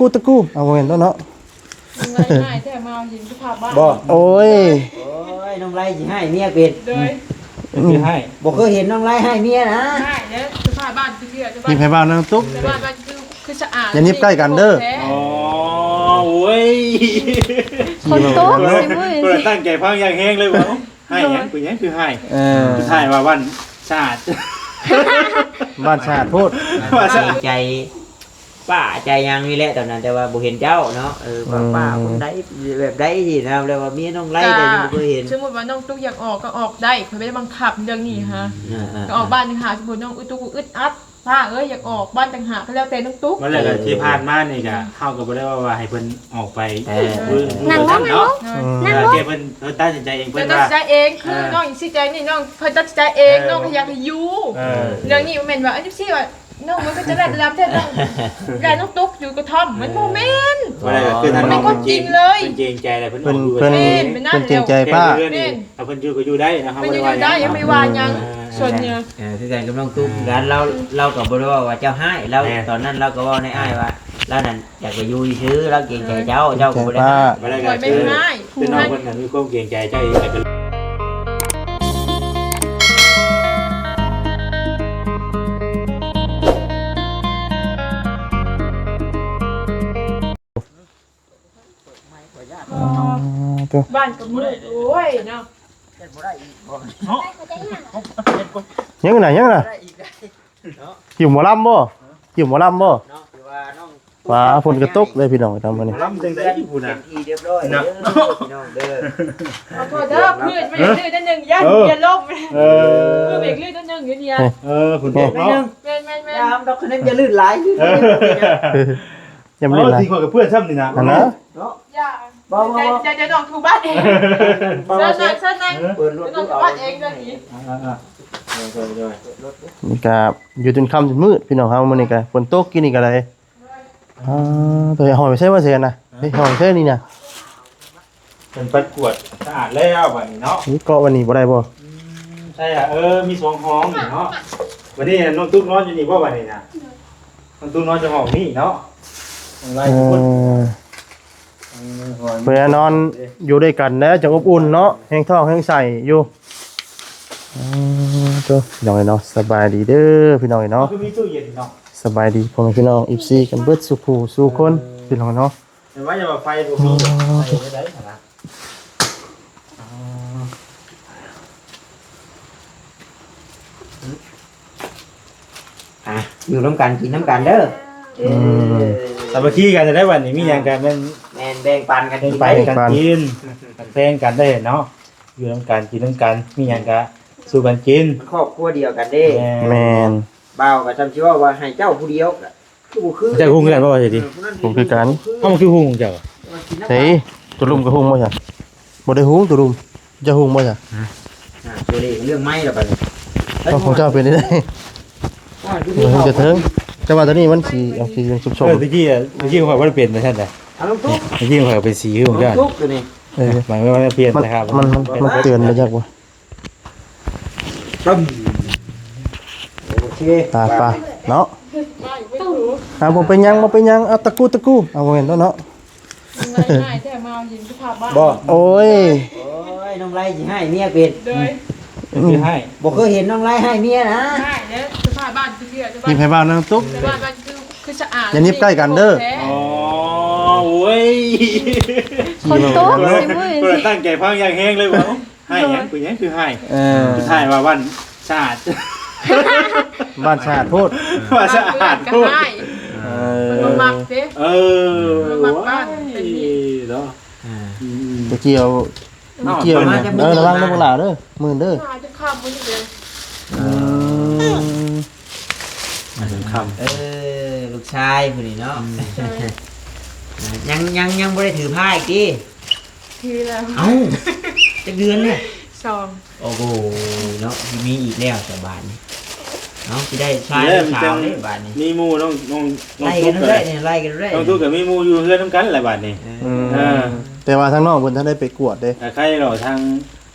ตะกู้เอาเห็นแล้วเนาะง่ายๆแต่มาหินสภาพบ้านบ่โอ้ยน้องไล่สิให้เมียเป็ดโดยคือให้บ่เคยเห็นน้องไล่ให้เมียนะง่ายเนี่ยสภาพบ้านคือเชื่อมีไผบ้านนางตุ๊กบ้านคือสะอาดอย่านิบใกล้กันเด้ออ๋อโอ้ยคนโต๊ะสิเว้ยเปิดตั้งใจพังอย่างแห้งเลยว่าให้ยังคือยังคือให้คือให้ว่าวันชาติบ้านชาติพูดใจป้าใจยังนี่แหละตอนนั้นแต่ว่าบ่เห็นเจ้าเนาะป้าคนใดแบบใดสินะแล้วว่าเมียน้องไล่แต่ยังบ่เคยเห็นสมมุติว่าน้องตุ๊กอยากออกก็ออกได้เพิ่นไม่ได้บังคับเรื่องนี้ฮะก็ออกบ้านต่างหากสมมุติน้องตุ๊กอึดอัดถ้าอยากออกบ้านต่างหากก็แล้วแต่น้องตุ๊กวันแรกที่ผ่านมานี่ก็เข้ากับบ่ได้ว่าให้เพิ่นออกไปนั่งลงเนาะเพิ่นตัดสินใจเองเพิ่นว่าตัดสินใจเองคือน้องสิใจนี่น้องเพิ่นตัดสินใจเองน้องอยากให้อยู่เรื่องนี้มันแม่นว่าจังซี่ว่าน้องมันก็จะได้รับแท้น้องได้น้องตุ๊กอยู่กระท่อมมันบ่แม่นว่าได้คือท่านน้องจริงเลยเพิ่นจริงใจเลยเพิ่นอยู่เพิ่นจริงใจป้าเพิ่นอยู่ก็อยู่ได้นะครับบ่ได้ว่าได้ยังไม่ว่าหยังส่วนเนี่ยคือกันกับน้องตุ๊กกันเราก็บ่ได้ว่าเจ้าให้เราตอนนั้นเราก็เว้าในอ้ายว่าแล้วนั่นอยากไปอยู่ซื่อเราเกรงใจเจ้าก็บ่ได้บ่ได้ก็คือเป็นน้องเพิ่นน่ะมีความเกรงใจเจ้าเองก็บ้านก็มืดโอ้ยเนาะยังไงหิวหมอลำบ่ฟ้าฝนกระตกเลยพี่น้องทำมานี่ลำจังได้อยู่น่ะเรียบร้อยเด้อพี่น้องเด้อขอโทษเด้อเพื่อนไม่ได้ลื่นนั่นนึงอย่าลบเพื่อนเบรกลื่นนั่นนึงอยู่เนี่ยฝนตกเนาะแม่นยามดอกนั้นอย่าลื่นหลายยังไม่ได้ทีกว่ากับเพื่อนซ้ำนี่นะนะอย่าน้องทูบ้านเองเชิญนั่งเปิดรถน้องทูบ้านเองเรื่องนี้นี่ก็อยู่จนค่ำจนมืดพี่น้องเฮามื้อนี้ก็ฝนตกกินนี่ก็ได้ตัวหอยไม่ใช่ว่าเสียนะเฮ้ยหอยใช่นี่นะเป็นปัดกวดสะอาดแล้ววันนี้เนาะนี่เกาะวันนี้บ่ได้บ่ใช่อ่ะมีสองห้องเนาะวันนี้น้องตุ๊กนอนอยู่นี่บ่วันนี้นะน้องตุ๊กนอนจะห้องนี่เนาะเพื่อนอนอยู่ด้วยกันนะจะอบอุ่นเนาะแห้งท้องแห้งใส่อยู่จ้ะน้องเนาะสบายดีเด้อพี่น้องเนาะมีตู้เย็นเนาะสบายดีพ่อแม่พี่น้องอีฟซีกันเบิดสุภูสู่คนพี่น้องเนาะแต่ว่าอย่าไฟบ่มีไฟได้นะอยู่น้ำกันกินน้ำกันเด้อสามัคคีกันจะได้วันนี้มีอย่างกันแม่นแบ่งปันกันกินแบ่งกันได้เนาะอยู่น้ำกันกินน้ำกันมีอย่างกันสู้กันกินครอบครัวเดียวกันเด้แม่นบ่าวก็จำชื่อว่าให้เจ้าผู้เดียวคือจะหุ้งกันบ่ว่าสิผมคือกันเฮามันคือหุ้งเจ้าเฮ้ยตัวลุมก็หุ้งบ่จ้ะบ่ได้หุ้งตัวลุมจะหุ้งบ่จ้ะตัวนี้เรื่องไม้แล้วบัดนี้ของเจ้าเป็นได้มันจะเถิงแต่ว่าตัวนี้มันสีเอาสีชุบๆตะกี้ข่อยบ่ได้เปลี่ยนนะท่านน่ะตะกี้ข่อยเป็นสีของเจ้าตัวนี้หมายว่าเปลี่ยนนะครับมันเตือนมาจากว่าโอเคตาปลาเนาะบ่เป็นยังเอาตะกู้เอาเห็นแล้วเนาะง่ายๆแต่มาหินสภาพบ้านบ่โอ้ยน้องไล่สิให้เมียเป็ดคือให้บ่เคยเห็นน้องไล่ให้เมียนะง่ายเนี่ยสภาพบ้านคือเชื่อมีไผบ้านนางตุ๊กบ้านคือสะอาดอย่านิบใกล้กันเด้ออ๋อโอ้ยคนโต๊ะสิเว้ยเปิดตั้งใจพังอย่างแห้งเลยว่าให้ยังคือให้คือให้ว่าวันชาติบ้านชาติพูดว่าสะอาดพูดมันมักเด้มักบ้านเป็นนี่เนาะตะเกียวระวังน้ำปลาเด้อมือเด้อจะข้ามมันเลยคำลูกชายผู้นี้เนาะยังบ่ได้ถือผ้าอีกดิถือแล้วเอ้าจักเดือนเนี่ย 2โอ้โหเนาะมีอีกแล้วแต่บ้านนี้เนาะสิได้ชายสาวนี่บ้านนี้มีหมู่น้องไล่กันได้เนี่ยไล่กันได้น้องตุ๊กกับมีหมู่อยู่เฮือนนำกันหลายบ้านนี่แต่ว่าทางน้องเพิ่นท่านได้ไปกวดเด้ใครหรอทาง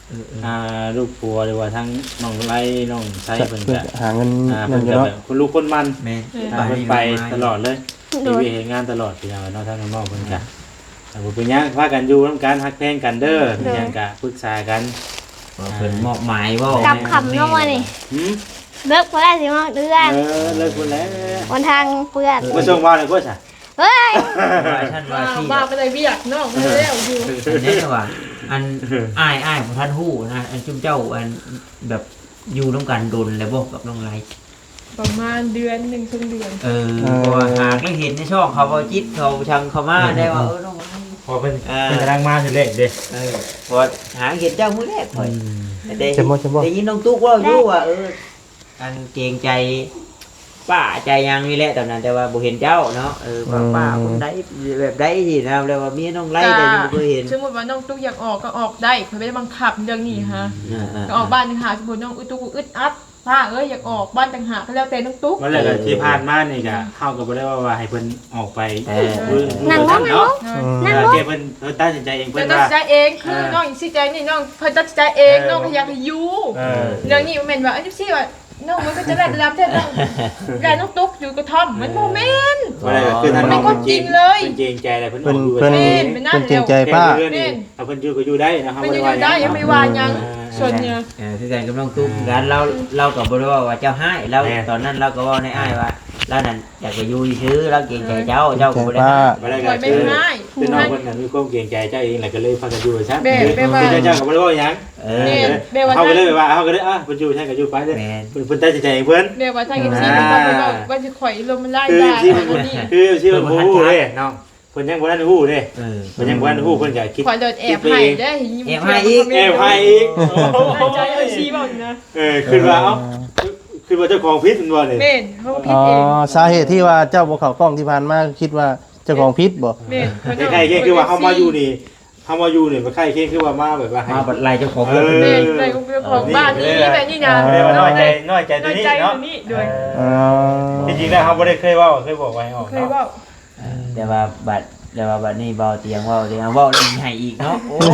ลูกปัวหรือว่าทั้งน้องไล่น้องไส้เพิ่นเพื่อก็หาเงินเพิ่เงินนอยู่ก็เนาะแบบคนลูกคนมันแม่นเพิ่นไปตลอดเลยโดมียเฮ็ดงานตลอดพี่น้องเนาะทั้งน้องๆเพิ่นก็แต่บ่เป็นหยังพากันอยู่นำกันฮักแพงกันเด้อมีหยังก็ปรึกษากันว่าเพิ่นมอบหมายเว้ากับคำเข้ามานี่หืมเลิกพอได้สิมาเดือนเลิกพุ่นแล้ววันทางเพื่อนบ่ส่งว่าเลยบ่ซะเฮ้ยว่าฉันว่าที่บ้าไปเลยเบียกน้องไม่แล้วอยู่อันนี้ว่าอันอ้ายของท่านฮู้นะอันจุ่มเจ้าอันแบบอยู่ร่วมกันดนแล้วบ่กับน้องไลประมาณเดือน1 2เดือนเพราะว่าหากได้เห็นในช่องเขาบ่จิตเขาชังเขามาได้ว่าน้องไลพอเพิ่นกำลังมาถึงเลขเด้พอหาเห็นเจ้ามื้อแรกข่อยได้จะบ่จะบ่ได้ยินน้องตุ๊กว่าอยู่ว่าอันเกรงใจป้าใจยังนี่แหละตอนนั้นแต่ว่าบ่เห็นเจ้าเนาะว่าป้าคนใดแบบใดที่นะแล้วว่าเมียน้องไลแต่ยังบ่เคยเห็นสมมติว่าน้องตุ๊กอยากออกก็ออกได้เพิ่นไม่ได้บังคับเรื่องนี้ฮะก็ออกบ้านต่างหากสมมุติน้องตุ๊กอึดอัดป้าอยากออกบ้านต่างหากก็แล้วแต่น้องตุ๊กวันแรกที่ผ่านมานี่ก็เฮาก็บ่ได้ว่าให้เพิ่นออกไปนั่งลงเนาะนั่งลงเพิ่นตัดสินใจเองเพิ่เพิ่นนตัดว่าสินใจเองคือน้องอีสิใจนี่น้องเพิ่นตัดสินใจเองน้องก็อยากให้อยู่เรื่องนี้มันแม่นว่าอันนี้สิว่าน้องมันก็จะได้รับแท้น้องได้น้องตุ๊กอยู่กระท่อมมันบ่แม่นวันแรกก็คือท่านน้องมันก็จริงเลยเพิ่นเกรงใจอะไรเพิ่นอเพิ่อน กอยู่เพิ่นแม่นไปนั่นเพิ่นเกรงใจป้าเพิ่นนี่เอาเพิ่นอยู่ก็อยู่ได้นะครับมันอยู่ได้ยังไม่ว่ายังส่วนเนี่ยคือการกำลังตุ้มกันเราก็บ่ได้ว่าเจ้าให้เราตอนนั้นเราก็ว่าในอ้ายว่าเรานั่นอยากไปอยู่ซื่อเราเกรงใจเจ้าก็บ่ได้วันแรกปล่ก็อยไม่คือให้คือน้องเพิ่นน่ะมีความเกรงใจเจ้าเองแหละก็เลยพากันอยู่ซะแม่ว่าคือเจ้าก็บ่ได้ว่าหยัง เขาก็เลยว่าเขาก็เลยเพิ่นอยู่ใช่ก็อยู่ไปเด้อเพิ่นตัดสินใจเองเพิ่นแม่ว่าถ้ากินซีมันต้องไปบอกว่าสิข่อยลมมันไล่คือได้ที่อัมันนนี้คือที่มันฮู้เด้น้องเพิ่นยังบ่ทันฮู้เด้เพิ่นยังบ่ทันฮู้เพิ่นก็คิดข่อยโดนแอบให้ได้ยิ้มแอบให้อีกใจเอาซีบ่นะคือว่าเอ้าคือว่าเจ้าของพิษมันบ่นี่เม่นเขาผิดอ๋อเองสาเหตุที่ว่าเจ้าบ่เข้ากล้องที่ผ่านมาคิดว่าเจ้าของพิษบ่เม่นใครๆคือว่าเฮามาอยู่นี่เฮามาอยู่นี่มันใครๆคือว่ามาแบบว่าให้มาบัดไล่เจ้าของเม่นเลยของบ้านนี้แบบนี้นะน้อยใจตัวนี้ใจเนาะตัวนี้ด้วยอ๋อจริงๆแล้วเฮาบ่ได้เคยเว้าเคยบอกไว้ออกเคยว่าแต่ว่าบัดนี้เบาเตียงเว้าให้อีกเนาะโอ้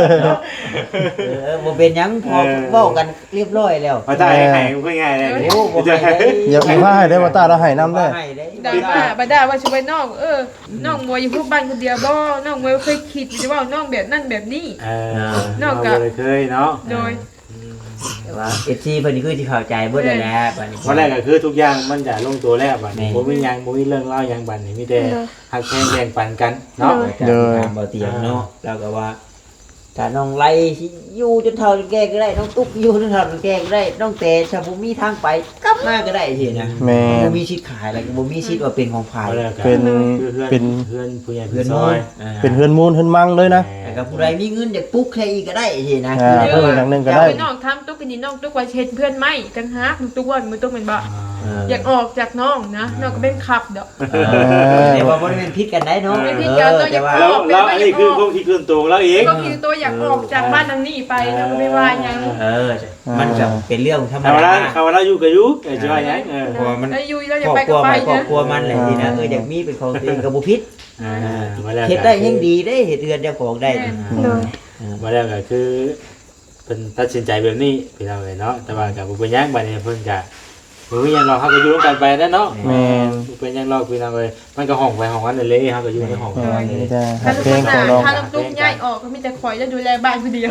บ่เป็นหยังพอเว้ากันเรียบร้อยแล้วมาตายให้เพิ่นง่ายเลยโอ้บ่ให้ได้อย่าไปว่าให้ได้ว่าตาเราให้นำได้ให้ได้ด่าบ้าบ่ด่าว่าช่วยน้องน้องมวยอยู่พวกบ้านคนเดียวบ่น้องมวยเคยคิดอยู่ว่าน้องแบบนั่นแบบนี้เราบ่ได้เคยเนาะโดยแต่ว่า FC เพิ่นนี่คือสิเข้าใจเบิดแล้วแหละบัดนี้วันแรกก็คือทุกอย่างมันจะลงตัวแล้วบัดนี้บ่มีหยังบ่มีเรื่องเล่าหยังบัดนี้มีแต่ฮักแพงแบ่งปันกันเนาะเด้อเบาเตียงเนาะแล้วก็ว่าถ้าน้องไล่อยู่จนเฒ่าจนแก่ก็ได้น้องตุ๊กอยู่จนเฒ่าจนแก่ก็ได้น้องแต่ถ้าบ่มีทางไปกลับมาก็ได้สินะแม่บ่มีสิทธิ์ขายแล้วก็บ่มีสิทธิ์ว่าเป็นของฝ่ายเป็นเป็นเพื่อนผู้ใหญ่เพื่เพื่ออน นน้น้ออย ยเป็นเฮือนมูลเฮือนมังเลยนะแต่ก็ผู้ใดมีเงินอยากปลุกใครอีกก็ได้สินะเพิ่มอย่างหนึงก็ได้น้องทำตุ๊กนี่น้องตุ๊กว่าเห็นเพื่อนไหมจังฮักตุ๊กว่ามันตุ๊กเป็นบ่อยากออกจากน้องนะน้องก็เป็นขับเด้อแต่ว่าบ่ได้เป็นพิษกันได้เนาะไม่ผิดกันเราอยากแล้วอันนี้คือความคิดส่วนตัวแล้วเองก็คือตัวอยากออกจากบ้านทางนี้ไปน้องก็ไม่ว่ายังมันจะเป็นเรื่องธรรมเอาดาละเขาว่าเราอยู่กับอยู่จะว่าหยังเพราะว่ามันแล้วอยู่แล้วอยาคกรอบไปครัก็วไปครอบนะครัวมันแหละสินะอยากมีเป็นของตัวเองก็บ่ผิดมาแล้วเฮ็ดได้ยังดีได้เฮ็ดเรือนเจ้าของได้โดยมาแล้วก็คือเป็นตัดสินใจแบบนี้พี่น้องเนาะแต่ว่ากับบุเป็นยังบัดนี้เพิ่นก็บ่มีหยังรอเขาก็อยู่ร่วมกันไปนั่นเนาะแม่นบ่เป็นยังรอพี่น้องเอ้ยมันก็ห้องไปห้องนั้นเลยเฮาก็อยู่ในห้องนั้นเลนี่ยจะถ้าหักลูกเพลงหของน้าน้องถ้าน้องตุ๊กย้ายออกก็มีแต่ข่อยจะดูแลบ้านคนเดียว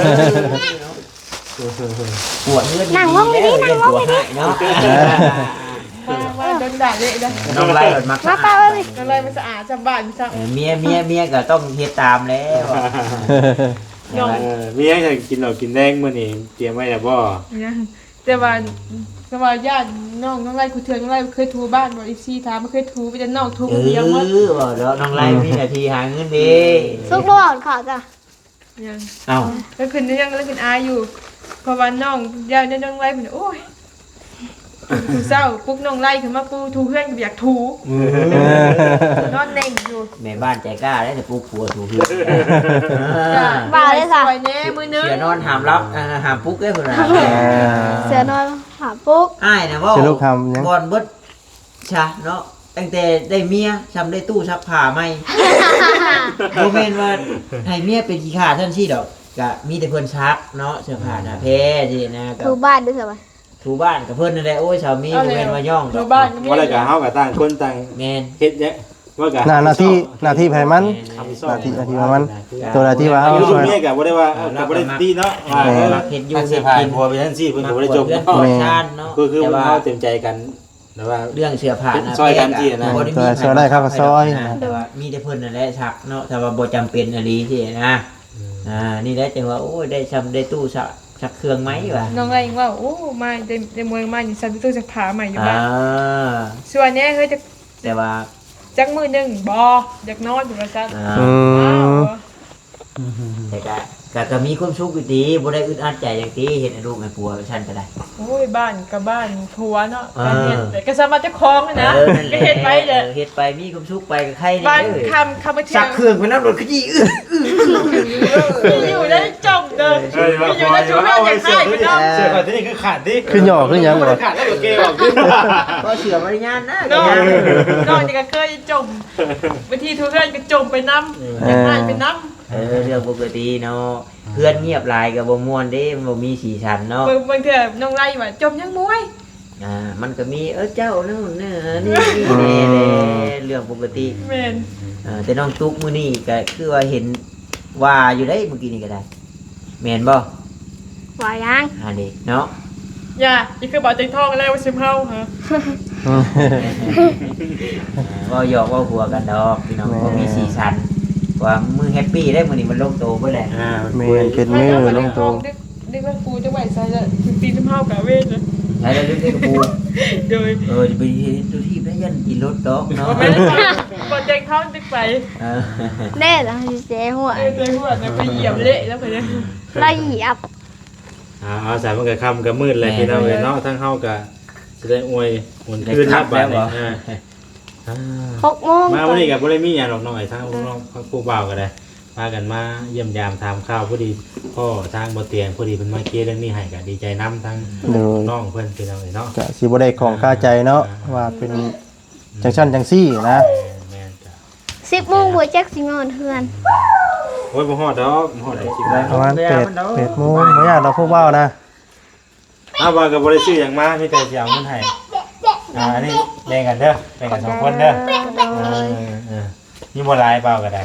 ปวดเลือดดีแล้วเรียนตัวให้เนาะว่าโดนด่าเลยนะน้องไล่มันมักมาป้าเลยก็เลยมันสะอาดสะบ้านซะเมียก็ต้องเฮ็ดตามแล้วมีหยังจะกินเหล้ากินแดงมื้อนี้เตรียมไว้แล้วบ่เนี่ยแต่ว่าญาติน้องไล่กูเถื่อนน้องไล่เคยทูบ้านบ่อีซี่ถามไม่เคยทูไปแต่น้องทูคนเดียวหมดแล้วน้องไล่มีหน้าที่หาเงินดีสุกโลดขอจ้ะยังเอ้าแล้วคืนนี้ยังแล้วคืนอาอยู่เพราะว่าน้องญาติน้องไล่มันโอ้ยกูเศร้าปุ๊กน้องไล่ขึ้นมากูทูเพื่อนอยากทูนอนเน่งอยู่แม่บ้านใจกล้าได้แต่ปลูกผัวถูกเพื่อนบ้าเลยค่ะสวยแน่มือนึงเสียนอนหามรับหามปุ๊กได้พุ่นน่ะเสือนอนหาปุ๊กอ้ายน่ะว่าเสียลูกทำยังบอนเบิดชะเนาะตั้งแต่ได้เมียทำได้ตู้ซักผ้าใหม่ บ่แม่นว่าให้เมียเป็นขี้ข้าท่านซี่ดอกไปก็มีแต่เพิ่นซักเนาะเสื้อผ้าหน้าแพรที่นะก็ถูบ้านด้วยใช่ไหมถูบ้านกับเพิ่นนั่นแหละโอ้ยสามีบ่แม่นว่าย่องดดูอกบ้านว่าแล้วก็เฮาก็ต่างคนต่างแม่นเฮ็ดเนี่ยว่าก็หน้าที่ไผมัน หน้าที่มันตัวหน้าที่ว่าเอาอยู่ช่วยเมียก็บ่ได้ว่าก็บ่ได้ตีเนาะว่าเฮ็ดอยู่เสื้อผ้าผัวไปทั้งซี่เพิ่นก็บ่ได้จบเรื่องเนาะธรรมชาติเนาะคือแต่ว่าเฮาเต็มใจกันแต่ว่าเรื่องเสื้อผ้านะซอยกันที่นะบ่ด้มีซอยได้ครับซอยแต่ว่ามีแต่เพิ่นนั่นแหละซักเนาะแต่ว่าบ่จำเป็นอะไรที่นะนี่แหละจังว่าโอ้ยได้ได้ตู้ซักเครื่องไหมวะน้องอะไรว่าโอ้มาได้เมืองมาอยู่ซันตู้จะผาใหม่อยู่บ้านอ่าส่วนเนี้ยเฮ้ยจะแต่ว่าจักมือหนึ่งบออยากนอนอยู่ละจันอืมแต่ก็มีความสุขอยู่ดีบ่ได้อึดอัดใจอย่างที่เห็นลูกแม่ปัวฉันก็ได้โอ้ยบ้านกับบ้านผัวเนาะอ่าการเห็นแต่ก็สามารถจะคล้องนะนั่นแหก็ละเห็นไปเลยเฮ็ดไปมีความสุขไปกับใครบ้านเด้อคำมาเที่ยซัวกเครื่องไปน้ำรถขยี้อยู่ได้จมเดินเฮ้ยว่าอยู่ได้จุดเรื่องอย่างไรไปเนาะเสื้อผ้าที่นี่คือขาดดิขึ้นหย่อขึ้นหยังบ่ขาดแล้วก็เกออกขึ้นก็เชื่อมารยาทนะน้องก็ยังน้องจะเคยจมบางทีทุกเรื่องก็จมไปน้ำอย่างไรไปน้ำเรื่องปกติเนาะเพื่อนเงียบหลายก็บ่ม่วนเด้มันบ่มีสีสันเนาะบางเถื่อน้องไล่ว่าจมยังมวยมันก็มีเจ้านู่นนี่นี่เรื่องปกติเมนแต่น้องตุ๊กมื้อนี้ก็คือว่าเห็นว่าอยู่ได้เมื่อกี้นี่ก็ได้แม่นบ่ว่ายังเด็กเนาะอย่าอีกคือบอกใจทองแล้วว่าซิมเฮาฮะเว้าหยอกเว้าหัวกันดอกพี่น้องบ่มีสีสันว่ามือแฮปปี้ได้มื้อนี้มันลงโตเบิดแหละแม่นเป็นมือลงตัวดึกว่ากูจะไหวใส่ละถึงตีซิมเฮากะเวทเลยแล้วเรื่องกูโดยจะไปเห็นตัวที่ได้ยันกินรถดอกเนาะไม่ได้บอกใจทองดึกไปเด้แล้วเจ๊หัวใจหัวเนี่ยไปเหยียบเละแล้วไปเนี่ยละเหยียบเอาสายมันก็ค่ำก็มืดเลยพี่น้องเนาะทั้งเฮาก็จะได้อวยหุ่นคืนนับบัดนี้ 6 โมงมาวันนี้กับบ่ได้มีหยังหรอกน้อยทั้งน้องผู้บ่าวก็ได้พากันมาเยี่ยมยามถามข่าวพอดีพ่อทางบ่เตียงพอดีเพิ่นมาเคลียร์เรื่องนี้ให้ก็ดีใจนํทั้งโดยน้องเพิ่นพี่น้องเนาะก็สิบ่ได้ของค่าใจเนาะว่าเป็นจังซั่นจังซี่นะแม่นจ้ะ 10 โมงบ่แจ็คสิงอนเฮือนโอ้ยบ่ฮอดดอกบ่ฮอดได้คิดได้ประมาณ8โมงบ่ยากดอกพวกเว้านะว่าก็บ่ได้ซื้อหยังมามีแต่สิเอาเงินให้อันนี้แบ่งกันเด้อแบ่งกัน2คนเด้อมีบ่หลายเปล่าก็ได้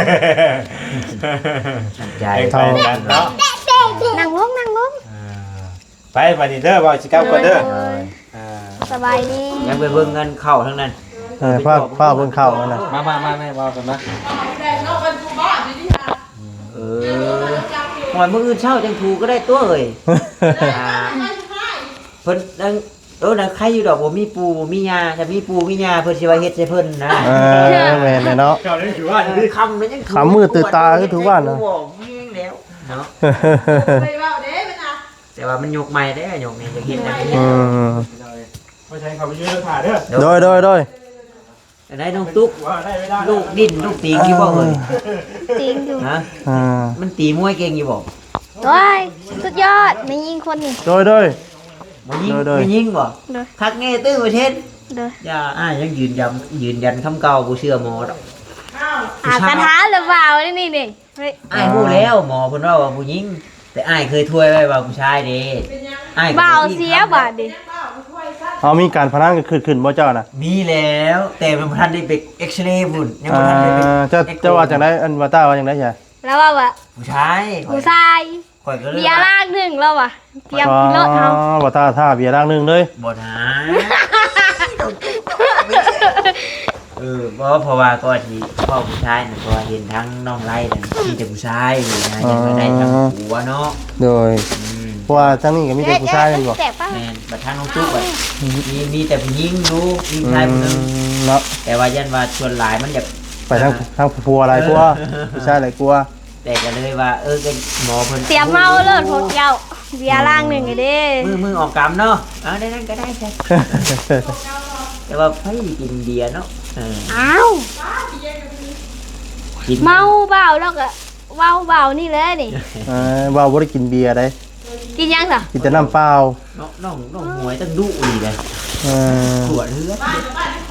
ใจแบ่งไปกันเนาะนั่งลงไปบัดนี้เด้อบ่สิกลับก่อนเด้อสบายดียังไปเบิ่งเงินเข้าทั้งนั้นฟ้าเบิ่งเข้านั่นน่ะมาแม่เว้ากันนะแต่นอกเป็นกูบ้าดีดีค่ะหอยมื้ออื่นเช้าจังถูก็ได้ตัวเอ้ยเพิ่นนั่งนั่นใครอยู่ดอกบ่มีปูบ่มียาถ้ามีปูมียาเพิ่นสิว่าเฮ็ดใส่เพิ่นนะแม่นเลยเนาะเจ้านี่ถือว่าอยู่ดิคำมันยังขำมืดตื่นตาคือถูกว่านะบอกแม่งแล้วเนาะไปว่าเด้เป็นอ่ะแต่ว่ามันยกใหม่ได้ยกนี่จะเฮ็ดจังซี่อืมไม่ใช่เขาไปยืนแล้วถ่ายเด้อโดยแต่ได้น้องตุ๊กว่าได้ไม่ได้ลูกดิ้นลูกตีงอยู่บ่เอ้ยจริงอยู่ฮะอ่ามันตีมวยเก่งอยู่บ่โอ้ยสุดยอดไม่ยิงคนนี่โดยมันยิงโดยมันยิงบ่โดยคักแน่ตื้อประเทศโดยอย่ายังยืนยันคำเก่าบ่เชื่อหมอดอกกระทะหรือเปล่านี่เฮ้ยอ้ายฮู้แล้วหมอเพิ่นว่าผู้หญิงแต่อ้ายเคยถ้วยไว้ว่าผู้ชายเด้อ้ายก็เบาบ่เสียบาดดิเอามีการพนันกันขึ้นบ่เจ้าน่ะมีแล้วแต่มันบ่ทันได้ไปเอ็กซเรย์บุ่นยังบ่ทันได้ไปจะว่าจังได๋อันว่าต้าว่าจังได๋ใช่แล้วว่าผู้ชายผู้ชายข่อยก็เลยเบียร์ลากหนึ่งแล้วว่ะเตรียมกินรถเฮาว่าต้าท่าเบียร์ร่างนึงเลยบ่นะเพราะว่าก็ที่พ่อผู้ชายน่ะก็เห็นทั้งน้องไล่นั่นมีแต่ผู้ชายนี่นะยังบ่ได้ทั้งผัวเนาะโดยเพราะว่าทั้งนี้ก็มีแต่ผู้ชายนั่นบ่แสบป่ะแม่นบัดทางน้องตุ๊กมีแต่ผู้หญิงลูกมีชายผู้หนึงเนาะแต่ว่ายันว่าส่วนหลายมันอยากไปทั้งผัวอะไรกลัวผู้ชายอะไรกลัวแต่ก็เลยว่าก็หมอเพิ่นเตรียมเมาเลิศพวกเจ้าเบียร์ลากหนึ่งไงเด้มือออกกรรมเนาะได้นั่นก็ได้ใช่แต่ว่าไผกินเบียร์เนาะอ้าวกินเมาเบาแล้วก็เว้าเบานี่เลยนี่ว่าบ่ได้กินเบียร์ได้กินยังสิกินแต่น้ำเปล่าน้องหวยตั้งดุอีเลยขวดเลือด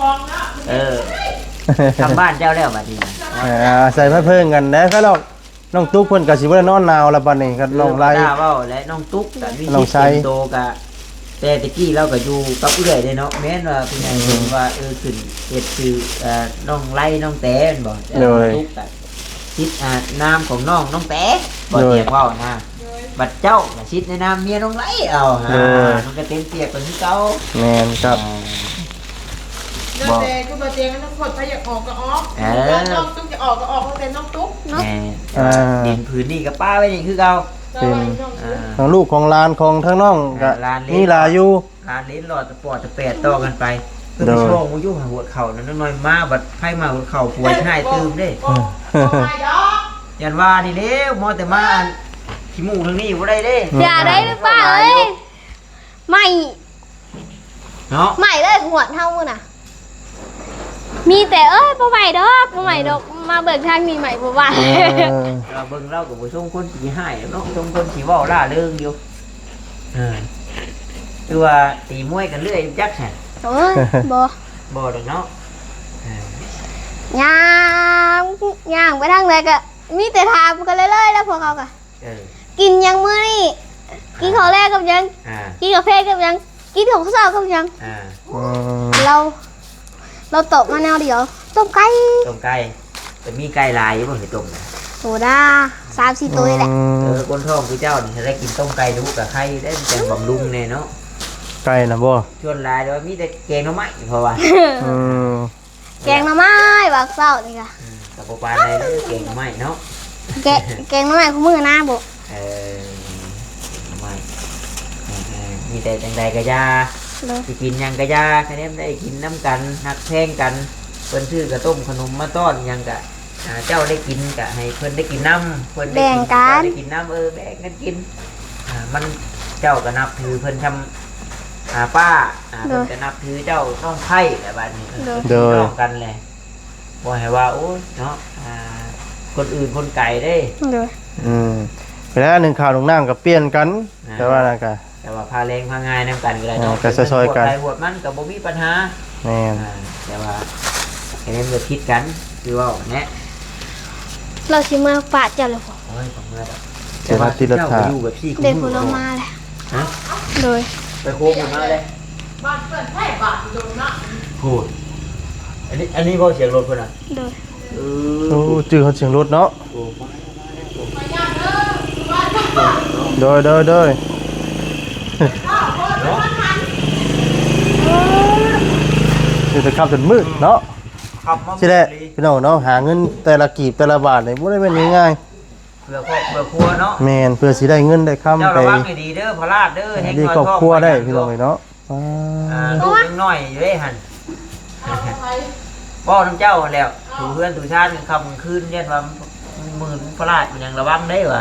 ทำบ้านเจ้าแล้วบัดนี้ใส่มาเพิ่งกันได้ก็หรอกน้องตุ๊กเพิ่นก็สิบ่ได้นอนหนาวแล้วบัดนี้ก็น้องไล่เว้าและน้องตุ๊กก็มีน้องไซสิทธิ์เป็นโตกะแต่ตะกี้เราก็อยู่กับเอื้อยเด้เนาะแม่นว่าเป็นไงเห็นว่าขึ้นเฮ็ดคือน้องไล่น้องแต้นบ่แต่น้องตุ๊กก็ชิดนามของน้องแต้บ่เตียงเว้านะบัดเจ้าก็ชิดในนามเมียน้องไล่เอามันก็เต็มเปียกเป็นคือเก่าแม่นครับเดินเตะกูมาเตียงน้องคนถ้าอยากออกก็ออกน้องตุ๊กจะออกก็ออกเพราะเป็นน้องตุ๊กแม่ดินพื้นนี่กับป้าไว้นี่คือเก่าทั้งลูกของหลานของทั้งน้องก็หลานเล็กมีหลายอยู่ร้านลิ้นหลอดปอดจะแปดต่อกันไปเพื่อไปโชว์มูยุ่หาหัวเข่านั้นน้อยมาบัดไพ่มาหัวเข่าป่วยให้ตื่มเด้ยันว่านี่เล้วมอแต่มาขี้มูกทางนี้บ่ได้เด้อย่าได้หรือเปล่าเอ้ยใหม่เนาะใหม่เลยหัวเท่ามือน่ะ มีแต่เอ้ยบ่ใหม่ดอกบ่ใหม่ดอกมาเบิกทางนี้ใหม่บ่ว่าเราเบิ่งเรากับผู้ชมคนขี้ให้เนาะชมคนขี้เว้าล่าเริงอยู่คือว่าตีมวยกันเรื่อยจักแฮะโอ้ยบ่บ่ดอกเนาะย่างย่างไปทางไหนก็มีแต่ถามกันเรื่อยๆแล้วพวกเขาก็ กินยังมื้อนี่กินข้าวแรกกับยังกินกาแฟกับยังกินของข้าวกับยังเราตบมาแนวเดียวต้มไก่ต้มไก่แต่มีไก่ลายอยู่บ่เห็นต้มโหด้า3-4 ตัวนี่แหละคนท้องคือเจ้านี่ถ้าได้กินต้มไก่ดูกับไข่ได้จังบำรุงแน่เนาะไก่นะบ่ชวนลายแต่ว่ามีแต่แกงหน่อไม้เพราะว่าแกงหน่อไม้บักเซ้านี่ค่ะกับปลาในแกงหน่อไม้เนาะแกงหน่อไม้คู่มือหน้าบ่หน่อไม้มีแต่จังใดกะยาสิกินยังกะยาคะแนนได้กินน้ำกันหักแพงกันเพิ่นซื้อกระต้มขนมมาต้อนยังกะเจ้าได้กินกะให้เพิ่นได้กินน้ำเพิ่นได้กินได้กินน้ำแบ่งกันกินมันเจ้าก็นับถือเพิ่นทำป้าเพิ่นจะนับถือเจ้าน้องไผ่แต่บัดนี้น้องกันเลยบ่ให้ว่าโอ้ยเนาะคนอื่นคนไก่ได้ไปแล้วหนึ่งข่าวหนึ่งน้ำกับเปลี่ยนกันแต่ว่านะกะแต่ว่าพาแรงพางานนำกันก็ได้เนาะก็ซอยๆกันใครหัวมันกับบ่มีปัญหาแม่นแต่ว่าแค่นี้มันคิดกันคือว่าแนะเราสิมาปะเจ้าเลยบ่โอ้ยผมเมื่อแล้วเจ้าติดรัฐาอยู่แบบพี่เด็กผู้ลงมาแหละฮะโดยไปโค้งมาเลยบ้านเปิดให้บาทโดนนะพูดอันนี้บ่เสียงรถเพิ่นน่ะโดยโอ้จื้อเขาเสียงรถเนาะโดยสิจะขับจนมืดเนาะขับมาสิได้พี่น้องเนาะหาเงินแต่ละกีบแต่ละบาทนี่บ่ได้เป็นง่ายเพื่อครอบเพื่อครัวเนาะๆแม่นเพื่อสิได้เงินได้ค้ำเจ้าไประวังให้ดีเด้อพลาดเด้อเฮ็ดดีน้อยครอบท้องครัวได้พี่น้องเนาะลูกยังน้อยอยู่เด้หั่นบ่น้ำเจ้าแล้วถูเพื่อนถูชาติค่ำคืนเรียนว่ามือพลาดมันยังระวังได้ว่ะ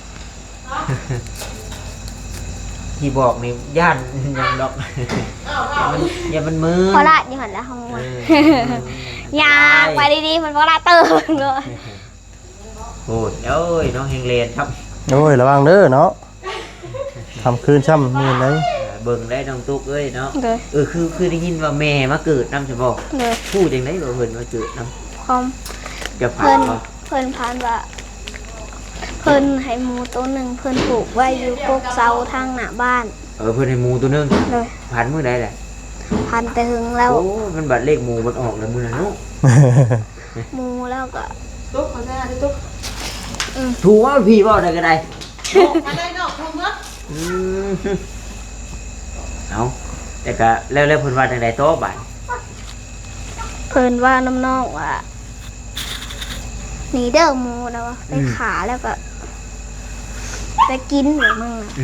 ที่บอกนี่ย่านยังดอกอย่ามันมือพอละอยู่หั่นแล้วเฮามาอยากไปดีๆมันบ่ละเติมเลยโอ้ยเอ้ยน้องเฮงเลนครับโอ้ยระวังเด้อเนาะทำคืนช่ำนี่เลยเบิ่งได้น้องตุ๊กเอ้ยเนาะโดยคือได้ยินว่าแม่มาเกิดนำใช่บ่โดยพูดจังได๋บ่เพิ่นมาเกิดนำความจะผ่าเพิ่นนบ่เพิ่นผ่านว่าเพิ่นให้หมูตัวหนึงเพิ่นปลูกไว้อยู่กกเสาทางหน้าบ้านเพิ่นให้หมูตัวนึงโดยผ่านมื้อใดแหละพันแต่หึงแล้วโอ้มันบัดเลขหมูมันออกแล้วมื้อนั้นเนาะหมูแล้วก็ตุ๊กมาได้ตุ๊กถูกว่าพี่บ่ได้ก็ได้มาได้นอกทุ่งเมื่อเอาแต่ก็แล้วเพิ่นว่าจังได๋โตบัดเพิ่นว่าน้ำนองว่าหนีเด้อหมูแล้วว่าไปขาแล้วก็ไปกินหรือมั่งน่ะ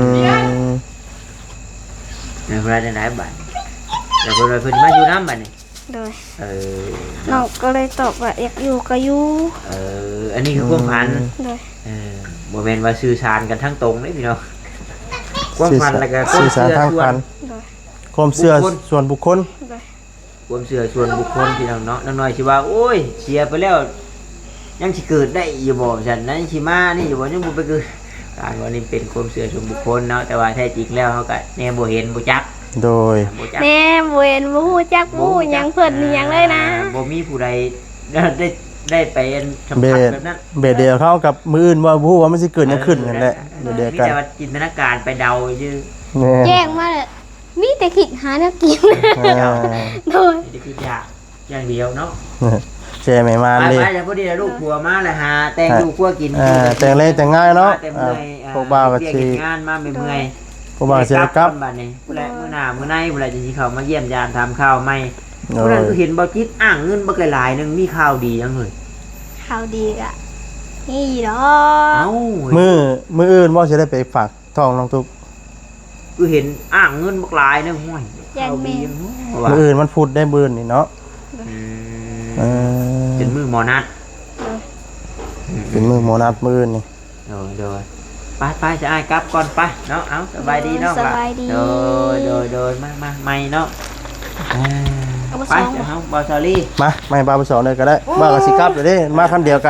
แล้วเพิ่นว่าจังได๋บัดแล้วเพิ่นว่าเพิ่นมาอยู่นำบัดนี่โดยน้น้องก็เลยตอบว่าอยากอยู่ก็อยู่อันนี้คือความฝันโดยบ่แม่นว่าสื่อสารกันทั้งตรงเด้พี่น้องความฝันแล้วก็สื่อสารทางพันโดยความเชื่อส่วนบุคคลโดยความเชื่อส่วนบุคคลพี่น้องเนาะน้อยๆสิว่าโอ้ยเสียไปแล้วยังสิเกิดได้อยู่บ่ฉันนั้นสิมานี่อยู่บ่ยังบ่ไปเกิดการว่านี่เป็นความเชื่อส่วนบุคคลเนาะแต่ว่าแท้จริงแล้วเฮาก็แน่บ่เห็นบ่จักโดยบ่จักแม่บ่เห็นบ่ฮู้จักบ่ฮู้หยังเพิ่นหยังเลยนะบ่มีผู้ใดได้ได้ไปสัมเบผัสดแบบนั้นเบดเดียวเข้ากับมืออื่นว่าผู้ว่ามันสิเกิดหยังขึ้นนั่นแหละเบดเดียวมีกันแต่ว่าจินตนาการไปเดาชื่อแน่แจ้งมาเลยมีแต่คิดหาแนวกินอ่าโดยนี่คืออย่างเดียวเนาะเจไม่มาไปเลยไปแล้วพอดีลูกผัวมาเลยหาแต่งลูกผัวกินแต่งเลยแต่งง่ายเนาะแต่อ่าเมื่อยพวกบ่าวก็เรียสิงานมาเมื่อยพวกบ่าวสิได้กลับบ้านนี้ผู้ใดมื้อหน้ามื้อในผู้ใดจะสิเข้ามาเยี่ยมยามทำข้าวใหม่โอ้ผู้นั้นยก็เห็นบ่จิตอ้างเงินบ่ไกลหลายนึงมีข่าวดีจังเลยข่าวดีกะนี่ดอเอ้ามืออื่นว่าสิได้ไปฝากท้องน้องตุ๊กคือเห็นอ้างเงินบ่หลายนึงห้วยยันข่าวแม่ดีจังว่ามืออื่นมันพูดได้บืนนี่เนาะอืมเออเป็นมือหมอนัดเป็นมือโมนัดมืออื่นนี่โดยไปจะอ้ายกลับก่อนไปเนาะเอาสบายดีเนาะสบายดีโดยมาไม่เนาะไปเดี๋ยวเฮาบอสซอรี่มาไม่บาไปสอนเลยก็ได้บ้ากับสิกลับเลยเด้มาคันเดียวกัน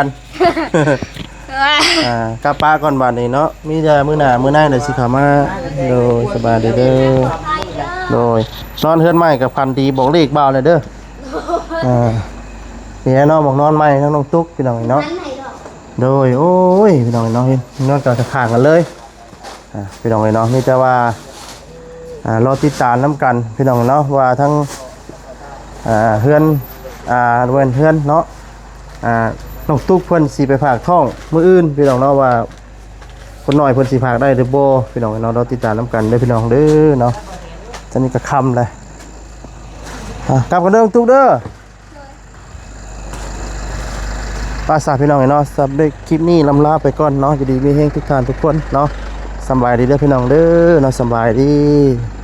กลับป้าก่อนบาดนี้เนาะมีแต่มื้อหน้ามื้อในเดี๋ยวสิเข้ามาโดยสบายดีเด้อโดยนอนเฮือนใหม่กับพันดีบอกเลขบ่าวเลยเด้อเนี่ยเนาะบอกนอนใหม่ทั้งน้องตุ๊กพี่น้องเนาะโดยโอ้ยพี่น้องเนาะเห็นนอนกับข้างกันเลยพี่น้องเนาะมีแต่ว่ารอติดตามน้ำกันพี่น้องเนาะว่าทั้งเฮือนเฮือนเนาะน้องตุ๊กเพิ่นสิไปฝากท้องมื้ออื่นพี่น้องเนาะว่าคนน้อยเพิ่นสิฝากได้หรือบ่พี่น้องเนาะเราติดตามน้ำกันเด้อพี่น้องเด้อเนาะตอนนี้ก็ค่ำเลยกลับกันเด้อน้องตุ๊กเด้อป้าสาพี่น้องเนาะสำหรับคลิปนี้ลำลาไปก่อนเนาะจะดีมีแฮงทุกท่านทุกคนเนาะสบายดีเด้อพี่น้องเด้อเนาะสบายดี